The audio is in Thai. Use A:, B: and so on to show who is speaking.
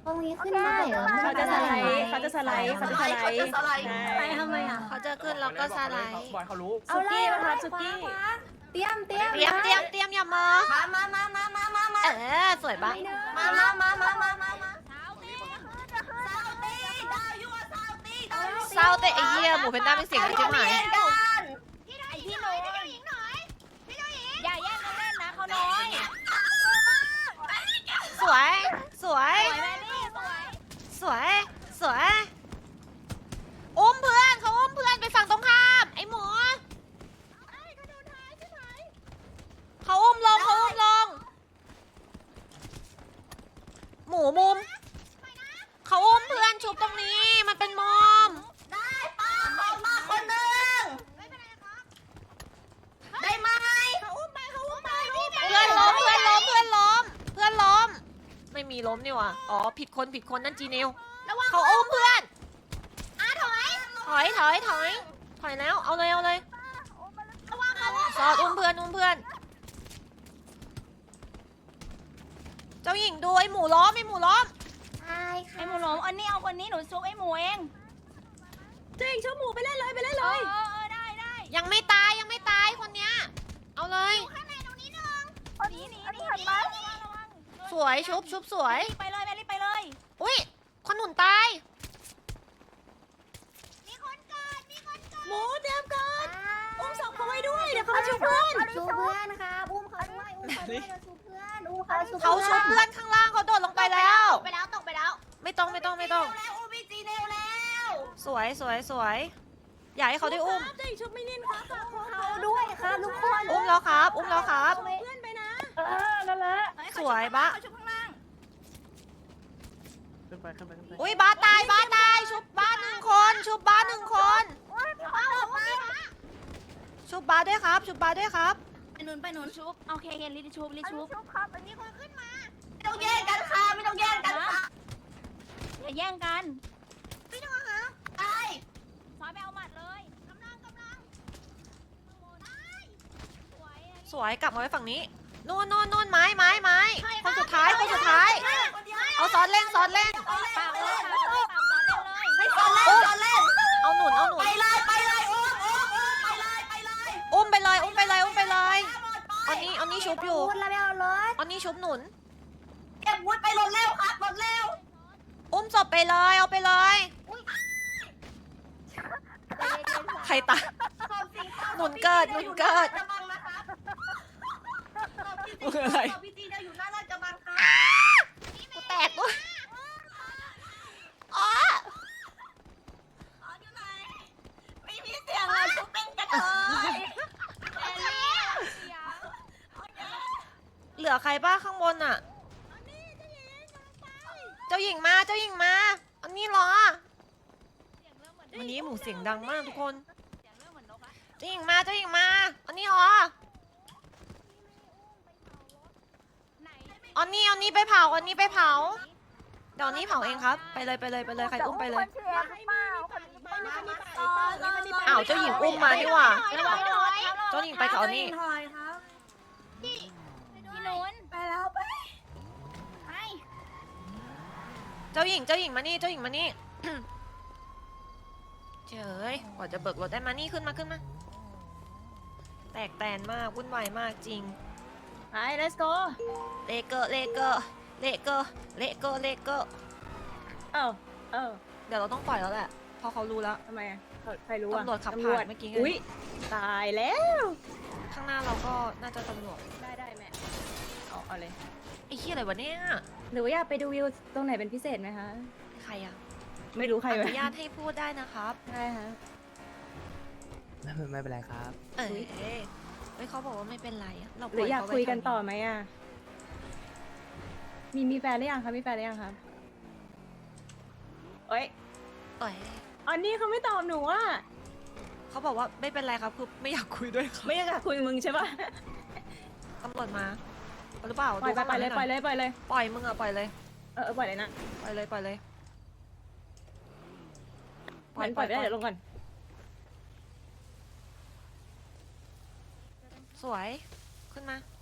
A: รงนี้ขึ้นได้เหรอ
B: เขาจะสไลด์เขาจะสไลด์เขาจะสไลด์
A: ไปทำไมอ่ะ
C: เขาจะขึ้นแล้วก็สไลด์
D: บอยเขารู้
B: สุกี้มาครับสุกี้
A: เตรียม
C: เตรียมอย่ามองสวยปะ
A: มา
C: เศร้าแต่ไอ้เหี้ยหมูเพนด้าเป็นเสียงที่จิ้มหาย
E: พี่หนูอย่าแย่งกันเล่นนะเขาน้อย
C: สวยสวย
E: สวยแม่นี่สวย
C: สวยอุ้มเพื่อนเขาอุ้มเพื่อนไปฝั่งตรงข้ามไอ้หมูเขาอุ้มลงหมูมุมเขาอุ้มเพื่อนชุบตรงนี้มันเป็นมอม
A: ได้ป้าขอมาคนหนึ่งได้ไหม
C: เพื่อนล้มไม่มีล้มนี่หว่าอ๋อผิดคนนั่นจีเนลเขาอุ้มเพื่อนถอยแล้วเอาเลยซอดอุ้มเพื่อนเจ้าหญิงดูไอ้หมูล้ม
A: ใช่ค่ะ
E: ไอหมูหลงอันนี้เอาคนนี้หนูซุกไอหมูเอง
B: จริงชุบหมูไปเล่นเลย
E: ได้
C: ยังไม่ตายคนเนี้ยเอาเลย
E: หนีระวัง
C: สวยชุบสวย
E: ไปเลยแม่รีบไปเลย
C: อุ้ยคนหนุนตาย
B: หมูเตรียมก่อนอุ้มศพเขาไว้ด้วยเดี๋ยวเขามาชุบเพื่อน
A: ชูเพื่อนค่ะอุ้มเขาด้วยชูเพื่อน
C: เขาชุบเพื่อนข้างล่างเขาโดดลงไปแล้ว
E: ตกไปแล้ว
C: ไม่ต้อง
A: แล้วอุ้มพี่จีเนลแล้ว
C: สวยอยากให้เขาได้อุ้ม
B: จริงชุบไม่นิ่มครับ
A: เขาด้วยค่ะทุกคน
C: อุ้มแล้วครับ
B: เพื่อนไปนะนั่นแหละ
C: สวยบะ
E: เขาชุบข้างล่าง
D: ขึ้นไป
C: อุ้ยบ้าตายชุบบ้าหนึ่งคนชุบบ้าด้วยครับ
E: ไปหนุนชุบโอเครีบชุบ
A: ไม่ต้องแย่งกันค่ะ
E: อย่าแย่งกัน
A: ไป
E: ซอยไปเอาหมัดเลยกำลัง
C: สวยกลับมาไว้ฝั่งนี้นู่นไม้คนสุดท้ายเอาซ้อนเล่น
E: เปล่าเลยเปล่าซ้อนเล่นเลย
A: ให้ตอนเล่น
C: เอาหนุน
A: ไปเลย
C: อุ้มไปเลยอันนี้ชุบอยู่
A: พูดแล้วไม่เอารถ
C: อันนี้ชุบหนุน
A: เก็บวุ้นไปรถเร็วครับรถเร็ว
C: อุ้มศพไปเลยเอาไปเลยใครตาย หนุนเกิด
D: อะไร
A: พี่จีจะอยู่หน้าราชบังค่ะ
C: กูแตกด้วยอ๋อ
A: อยู่ไหนไม่มีเสียงเลยชุบเป็นกันเลย
C: เหลือใครบ้างข้างบนอ่ะเจ้าหญิงมาอันนี้เหรอวันนี้หมูเสียงดังมากทุกคนเจ้าหญิงมาอันนี้เหรออันนี้ไปเผาเดี๋ยวนี้เผาเองครับไปเลยใครอุ้มไปเลยอ้าวเจ้าหญิงอุ้มมานี่หว่าเจ้าหญิงไปกับอันนี้
A: ถอยครับ
E: พี่หนุน
A: ไปแล้วไป
C: เจ้าหญิงมานี่ เฉยกว่าจะเบิกรถได้มานี่ขึ้นมาแตกแตนมากวุ่นวายมากจริง
B: ไป let's go
C: เลเกอร์
B: เออ
C: เดี๋ยวเราต้องปล่อยแล้วแหละเพราะเขารู้แล้ว
B: ทำไมอ่ะใครรู้อ่ะ
C: ตำรวจขับผ่านเมื่อกี้ไง
B: อุ้ยตายแล้ว
C: ข้างหน้าเราก็น่าจะตำรวจ
B: ได้แม่เอาเลย
C: ไอ้เหี้ยอะไรวะเนี่ย
B: หรือว่าอยากไปดูวิวตรงไหนเป็นพิเศษไหมคะ
C: ใครอะ
B: ไม่รู้ใคร
C: อ
B: ไหม
C: นุญาตให้พูดได้นะครับ
B: ได้ฮะ
D: ไม่เป็นไรครับ
C: เฮ้ยเขาบอกว่าไม่เป็นไรอะเราป
B: หรื
C: ล่
B: ออยาก
C: เขไป
B: คุยกัน
C: ทำ
B: ต่อไหมอ่ะมีแฟนหรือยังคะมีแฟนหรือยังครับเอ้ย
C: เอ้ย
B: อันนี้เขาไม่ตอบหนูอ่ะ
C: เขาบอกว่าไม่เป็นไรครับคือไม่อยากคุยด้วยครับ
B: ไม่อยากคุยกับมึงใช่ปะ
C: ตำรวจมาหรือเปล่า
B: ปล่อย
C: ดูข้างห
B: ไปเลย
C: ง
B: ปล่อย
C: หน่
B: เลยปล่อยเลย
C: ปล่อยมึงอะปล่อยเลย
B: ปล่อยเลยนะ
C: ปล่อยเลย
B: ปล่อยไปได้เดี๋ยวลงก่อน
C: สวยขึ้นมา